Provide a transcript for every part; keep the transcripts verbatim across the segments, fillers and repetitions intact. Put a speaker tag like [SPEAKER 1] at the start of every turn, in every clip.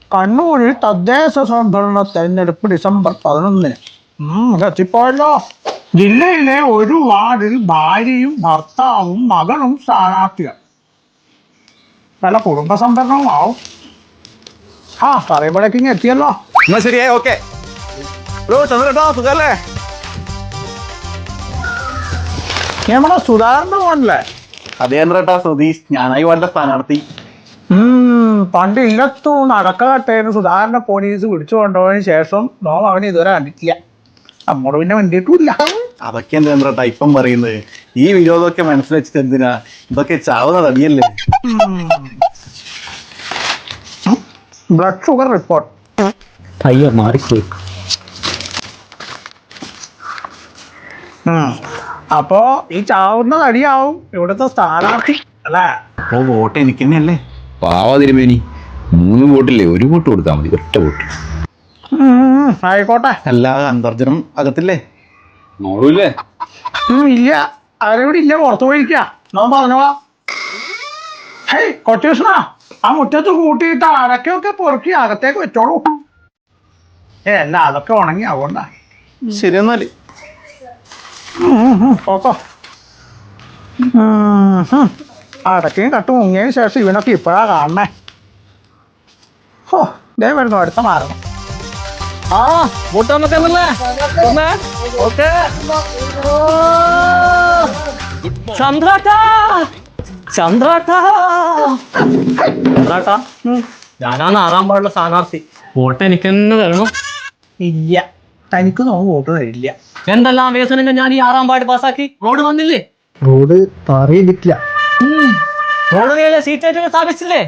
[SPEAKER 1] കണ്ണൂരിൽ തദ്ദേശ സ്വയംഭരണ തെരഞ്ഞെടുപ്പ് ഡിസംബർ പതിനൊന്നിന് എത്തിപ്പോയല്ലോ. ജില്ലയിലെ ഒരു വാർഡിൽ ഭാര്യയും ഭർത്താവും മകളും സ്ഥാനാർത്ഥികൾ. പല കുടുംബ സംഭരണവും ആവും. ആ പറയുമ്പോഴേക്കും എത്തിയല്ലോ.
[SPEAKER 2] എന്നാ ശരിയേ, ഓക്കെ. ചന്ദ്രേട്ടാ സുഖല്ലേ?
[SPEAKER 1] നമ്മുടെ സുധാകരന്റെ മോനല്ലേ?
[SPEAKER 2] അതെ ചന്ദ്രേട്ടാ, സുധീഷ്. ഞാനായി വേണ്ട സ്ഥാനാർത്ഥി.
[SPEAKER 1] ഉം പണ്ട് ഇല്ലത്തു നടക്കാട്ടേന്ന് സുധാകരനെ പോലീസ് പിടിച്ചു കൊണ്ടുപോയതിനു ശേഷം നോം അവന് ഇതുവരെ കണ്ടിട്ടില്ല. നമ്മോട് പിന്നെ വേണ്ടിയിട്ടില്ല.
[SPEAKER 2] അതൊക്കെ എന്താ ചന്ദ്രേട്ടാ ഇപ്പം പറയുന്നത്? ഈ വിരോധമൊക്കെ മനസ്സിൽ വെച്ചിട്ട് എന്തിനാ? ഇതൊക്കെ ചാവുന്ന തടിയല്ലേ.
[SPEAKER 1] ബ്ലഡ് ഷുഗർ റിപ്പോർട്ട്
[SPEAKER 3] അയ്യോ മാറിപ്പോയി.
[SPEAKER 1] അപ്പോ ഈ ചാവുന്ന തടിയാവും ഇവിടുത്തെ സ്ഥാനാർത്ഥി അല്ലേ?
[SPEAKER 2] അപ്പൊ വോട്ട് എനിക്ക് തന്നെയല്ലേ?
[SPEAKER 3] പാവാ തിരുമേനി, മൂന്ന് വോട്ടില്ലേ, ഒരു വോട്ട് കൊടുത്താൽ മതി, ഒറ്റ വോട്ട്.
[SPEAKER 1] ആയിക്കോട്ടെ.
[SPEAKER 2] അല്ല, അന്തർജനം അകത്തില്ലേ?
[SPEAKER 3] നോളൂല്ലേ?
[SPEAKER 1] ഇല്ല, അവരെവിടെ ഇല്ല, പുറത്തു പോയിരിക്കുക. നോൻ പറഞ്ഞോളാ. ഹേയ് കൊച്ചൂഷ്ണ, ആ മുറ്റത്ത് കൂട്ടിയിട്ട് അരക്കൊക്കെ പൊറുക്കി അകത്തേക്ക് വെച്ചോളൂ. ഏ അല്ല, അതൊക്കെ ഉണങ്ങി അതുകൊണ്ടാ.
[SPEAKER 2] ശരി എന്നാല്
[SPEAKER 1] പോക്കോ. അടക്കയും കട്ട് മുങ്ങിയതിന് ശേഷം ഇവനൊക്കെ ഇപ്പോഴാ കാണണേ. ഓ ദേ വരുന്നു അടുത്ത മാറുന്നു.
[SPEAKER 3] ആ വോട്ട് വന്നിട്ടല്ലേ? ചന്ദ്രാട്ടാ ചന്ദ്രാട്ടാ ചന്ദ്രാട്ടാ ഞാനാണ് ആറാം പാടുള്ള സ്ഥാനാർത്ഥി. വോട്ട് എനിക്ക് തന്നെ തരണം.
[SPEAKER 1] ഇല്ല, തനിക്ക് നോക്ക് വോട്ട് തരില്ല.
[SPEAKER 3] എന്തെല്ലാം വേസനങ്ങൾ ഞാൻ ഈ ആറാം പാട് പാസ്സാക്കി. റോഡ് വന്നില്ലേ?
[SPEAKER 1] റോഡ് പറയില്ല.
[SPEAKER 3] റോഡ് സീറ്റ് സ്ഥാപിച്ചില്ലേ?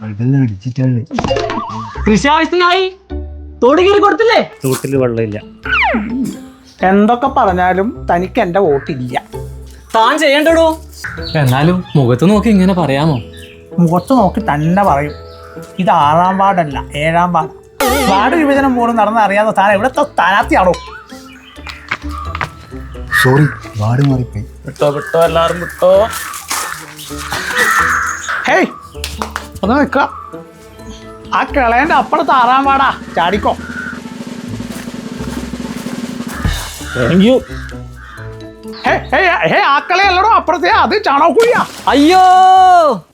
[SPEAKER 3] കൃഷി ആവശ്യത്തിനായി തോട് കീറി കൊടുത്തില്ലേ? തോട്ടില് വെള്ളമില്ല.
[SPEAKER 1] എന്തൊക്കെ പറഞ്ഞാലും തനിക്ക് എന്റെ വോട്ടില്ല.
[SPEAKER 3] താൻ ചെയ്യണ്ടോ? എന്നാലും മുഖത്ത് നോക്കി ഇങ്ങനെ പറയാമോ?
[SPEAKER 1] മുഖത്ത് നോക്കി തന്നെ പറയും. ഇത് ആറാം വാർഡല്ല, ഏഴാം വാർഡ്. വാർഡ് വിഭജനം പോലും നടന്ന് അറിയാത്ത താൻ എവിടുത്തെ സ്ഥാനാർത്ഥിയാണോ?
[SPEAKER 4] സോറി, വാർഡ് മാറിപ്പോയി.
[SPEAKER 3] വിട്ടോ വിട്ടോ എല്ലാരും വിട്ടോ.
[SPEAKER 1] ഹേയ് ഒന്ന് നിൽക്ക. ആ കിളയന്റെ അപ്പുറത്ത് ആറാം വാർഡാ, ചാടിക്കോ.
[SPEAKER 3] Thank you.
[SPEAKER 1] ഹേ ഹേ ഹേ ആ കളയല്ലടോ അപ്പുറത്തെ, അത് ചാണകക്കുഴിയാ.
[SPEAKER 3] അയ്യോ